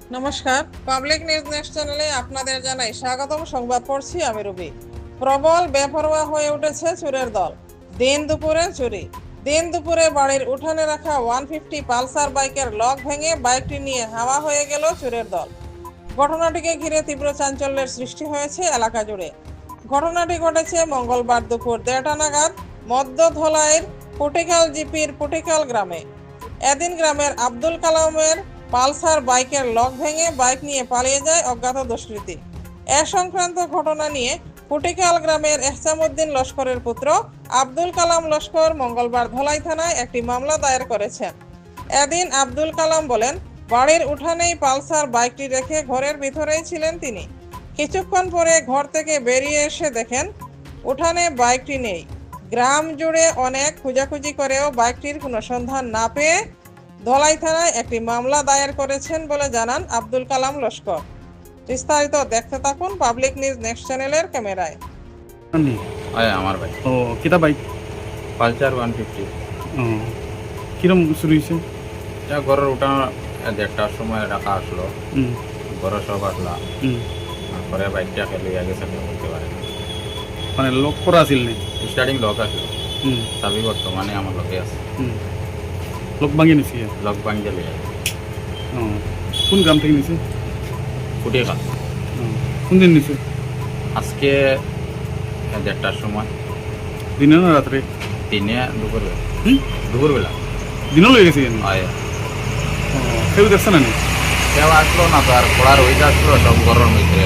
নমস্কার, public news next চ্যানেলে আপনাদের জানাই স্বাগতম। সংবাদ পড়ছি আমি রবি। প্রবল বেপরোয়া হয়ে উঠেছে চোরের দল। দিন দুপুরে চুরি। দিন দুপুরে বাড়ির উঠানে রাখা 150 পালসার বাইকের লক ভেঙে বাইকটি নিয়ে হাওয়া হয়ে গেল চোরের দল। ঘটনাটিকে ঘিরে তীব্র চাঞ্চল্যের সৃষ্টি হয়েছে এলাকা জুড়ে। ঘটনাটি ঘটেছে মঙ্গলবার দুপুর 1:30 নাগাদ মধ্যধলাইয়ের পুটিকাল জিপির পুটিকাল গ্রামে। এদিন গ্রামের আব্দুল কালামের পালসার বাইকের লক ভেঙে বাইক নিয়ে পালিয়ে যায় অজ্ঞাত দুষ্কৃতী। এ সংক্রান্ত ঘটনা নিয়ে পুটিকাল গ্রামের এহসামউদ্দিন লস্করের পুত্র আব্দুল কালাম লস্কর মঙ্গলবার ধলাই থানায় একটি মামলা দায়ের করেছেন। এদিন আব্দুল কালাম বলেন, বাড়ির উঠানেই পালসার বাইকটি রেখে ঘরের ভিতরেই ছিলেন তিনি। কিছুক্ষণ পরে ঘর থেকে বেরিয়ে এসে দেখেন উঠানে বাইকটি নেই। গ্রাম জুড়ে অনেক খোঁজাখুঁজি করেও বাইকটির কোনো সন্ধান না পেয়ে ধলাই থানায় একটি মামলা দায়ের করেছেন বলে জানান আব্দুল কালাম লস্কর। বিস্তারিত দেখতে থাকুন পাবলিক নিউজ নেক্সট চ্যানেলের ক্যামেরায়। আমার ভাই ও কিতা বাইক পালসার 150 কিরম শুরু হয়েছে? এটা ঘরের উঠানো 1:30টার সময় রাখা আসলো। ঘরে সব আসলা তারপরে বাইকটা খেলে গেছে বলতে পারে না। মানে লক করা আছিল নি? স্টার্টিং লক আসলো, চাবি বর্তমানে আমার লকে আছে। লক ভাঙিয়ে নিছি? লক ভাঙিয়ে লিয়ে কোন গ্রাম থেকে নিছে? ফুটিয়ে খাল। কোন দিন নিছে? আজকে 1:30টার সময়। দিনে না রাত্রে? দিনে দুপুরবেলা। দুপুরবেলা দিনও লয়ে গেছে কেন? হয় কেউ দেখছে না? কেউ আসলো না, তো আর পড়ার ওইটা আসলো সব ঘরের মধ্যে।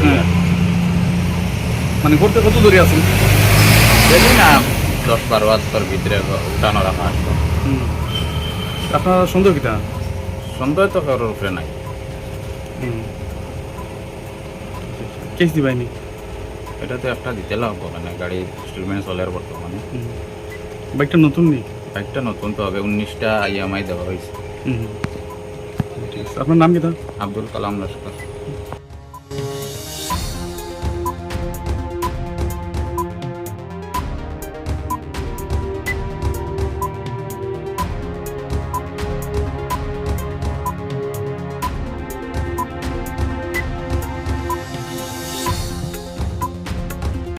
মানে ঘরতে কত দূরে আছেন? দেখি না 10-12 বছর ভিতরে উঠানো রাখা আসলো। আপনার সন্দেহ কিতা? সন্দেহ তো কারোর উপরে নাই। কেস দিবাইনি? এটা তো একটা দিতে লাগবো, মানে গাড়ি ইনস্টলমেন্ট চলে বর্তমানে। বাইকটা নতুন নেই? বাইকটা নতুন তো হবে, 19টা IMI দেওয়া হয়েছে। ঠিক আছে। আপনার নাম কিতা? আব্দুল কালাম লস্কর।